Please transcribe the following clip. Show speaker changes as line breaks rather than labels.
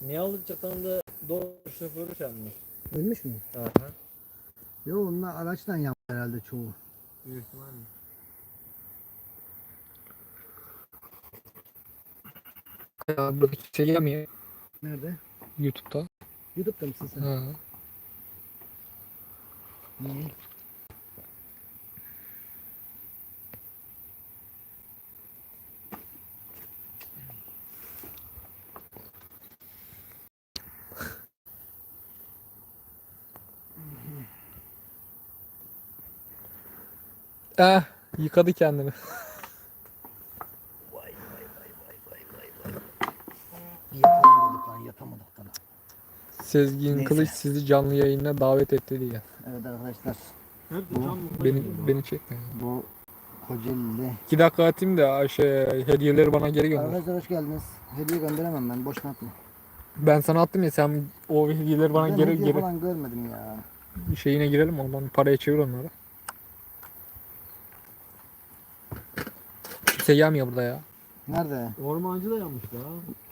Niyalıçatan'da doğru şoförü çalmış.
Ölmüş mü?
Aha.
Yok onlar araçtan yaptı herhalde çoğu.
Büyük ihtimalle.
Ya burada hiç şey gelmiyor
Nerede?
YouTube'da.
YouTube'da mısın sen?
Ha.
Niye?
Yıkadı kendini.
Yatamadık lan yatamadık lan.
Sezgin
Neyse.
Kılıç sizi canlı yayına davet etti diye.
Evet arkadaşlar
Nerede?
Bu-
Tam
Beni çekme.
bu Kocaeli'de.
2 dakika atayım da hediyeleri bana geri gönder.
Arkadaşlar hoş geldiniz. Hediye gönderemem ben boşuna atma.
Ben sana attım ya, sen o hediyeleri bana
Ben
geri
hediye falan görmedim ya.
şeyine girelim, ondan paraya çevir onları. Kimse gelmiyor burada ya.
Nerede?
Ormancı da yanmış la.